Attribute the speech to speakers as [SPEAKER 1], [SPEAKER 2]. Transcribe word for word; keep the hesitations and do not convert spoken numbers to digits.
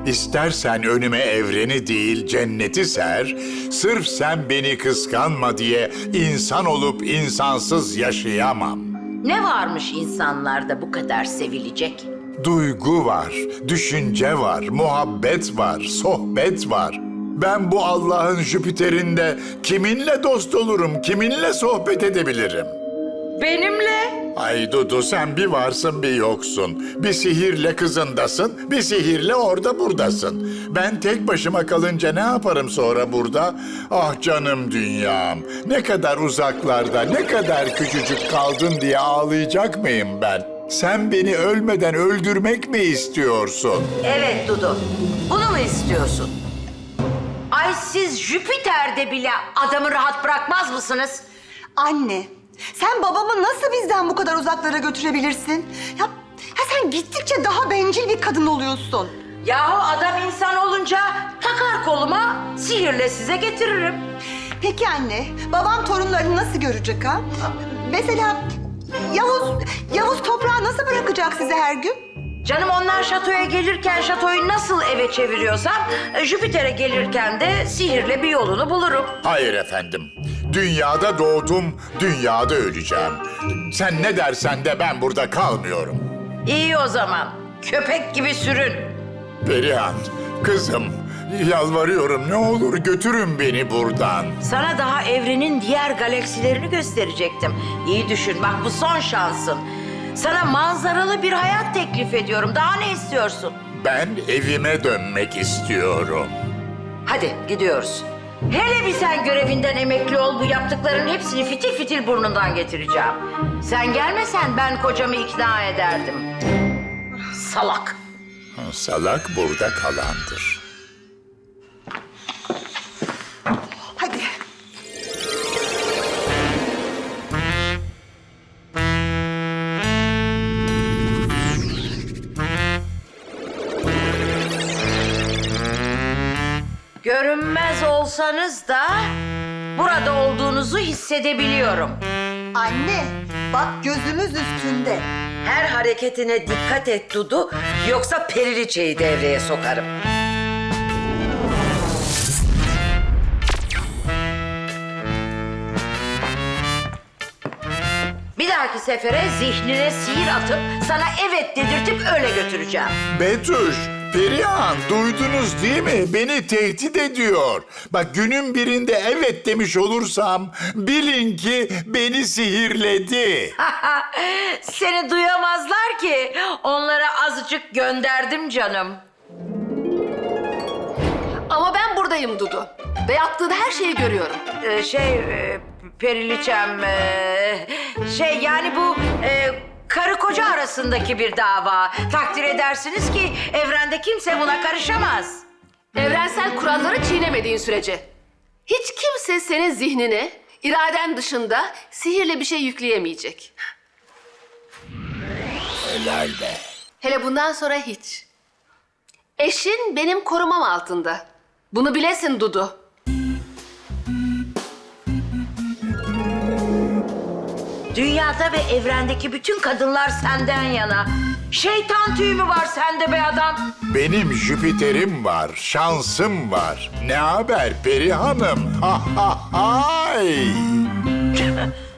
[SPEAKER 1] İstersen önüme evreni değil cenneti ser, sırf sen beni kıskanma diye insan olup insansız yaşayamam.
[SPEAKER 2] Ne varmış insanlarda bu kadar sevilecek?
[SPEAKER 1] Duygu var, düşünce var, muhabbet var, sohbet var. Ben bu Allah'ın Jüpiter'inde kiminle dost olurum, kiminle sohbet edebilirim?
[SPEAKER 2] Benimle?
[SPEAKER 1] Ay Dudu, sen bir varsın bir yoksun. Bir sihirle kızındasın, bir sihirle orada buradasın. Ben tek başıma kalınca ne yaparım sonra burada? Ah canım dünyam, ne kadar uzaklarda, ne kadar küçücük kaldın diye ağlayacak mıyım ben? Sen beni ölmeden öldürmek mi istiyorsun?
[SPEAKER 2] Evet Dudu. Bunu mu istiyorsun? Ay siz Jüpiter'de bile adamı rahat bırakmaz mısınız?
[SPEAKER 3] Anne, sen babamı nasıl bizden bu kadar uzaklara götürebilirsin? Ya, ya sen gittikçe daha bencil bir kadın oluyorsun.
[SPEAKER 2] Yahu adam insan olunca takar koluma, sihirle size getiririm.
[SPEAKER 3] Peki anne, babam torunlarını nasıl görecek ha? Mesela Yavuz, Yavuz toprağı nasıl bırakacak size her gün?
[SPEAKER 2] Canım onlar şatoya gelirken şatoyu nasıl eve çeviriyorsam... e, ...Jüpiter'e gelirken de sihirle bir yolunu bulurum.
[SPEAKER 1] Hayır efendim. Dünyada doğdum, dünyada öleceğim. Sen ne dersen de ben burada kalmıyorum.
[SPEAKER 2] İyi o zaman. Köpek gibi sürün.
[SPEAKER 1] Perihan, kızım, yalvarıyorum ne olur götürün beni buradan.
[SPEAKER 2] Sana daha evrenin diğer galaksilerini gösterecektim. İyi düşün bak bu son şansın. Sana manzaralı bir hayat teklif ediyorum. Daha ne istiyorsun?
[SPEAKER 1] Ben evime dönmek istiyorum.
[SPEAKER 2] Hadi gidiyoruz. Hele bir sen görevinden emekli ol, bu yaptıkların hepsini fitil fitil burnundan getireceğim. Sen gelmesen ben kocamı ikna ederdim. Salak.
[SPEAKER 1] Salak burada kalandır.
[SPEAKER 3] Hadi.
[SPEAKER 2] Görünmez olsanız da burada olduğunuzu hissedebiliyorum.
[SPEAKER 3] Anne, bak gözümüz üstünde.
[SPEAKER 2] Her hareketine dikkat et Dudu, yoksa periliçeyi devreye sokarım. Bir dahaki sefere zihnine sihir atıp sana evet dedirtip öyle götüreceğim.
[SPEAKER 1] Betüş, Perihan duydunuz değil mi? Beni tehdit ediyor. Bak günün birinde evet demiş olursam bilin ki beni sihirledi.
[SPEAKER 2] Seni duyamazlar ki. Onlara azıcık gönderdim canım.
[SPEAKER 4] Ama ben buradayım Dudu. Ve yaptığın her şeyi görüyorum.
[SPEAKER 2] Ee, şey, e, Periliçem, e, şey yani bu e, karı koca arasındaki bir dava. Takdir edersiniz ki evrende kimse buna karışamaz.
[SPEAKER 4] Evrensel kuralları çiğnemediğin sürece. Hiç kimse senin zihnine, iraden dışında sihirle bir şey yükleyemeyecek.
[SPEAKER 1] Helal be.
[SPEAKER 4] Hele bundan sonra hiç. Eşin benim korumam altında. Bunu bilesin Dudu.
[SPEAKER 2] Dünyada ve evrendeki bütün kadınlar senden yana. Şeytan tüyü mü var sende be adam?
[SPEAKER 1] Benim Jüpiter'im var, şansım var. Ne haber Peri Hanım? Ha ha hay.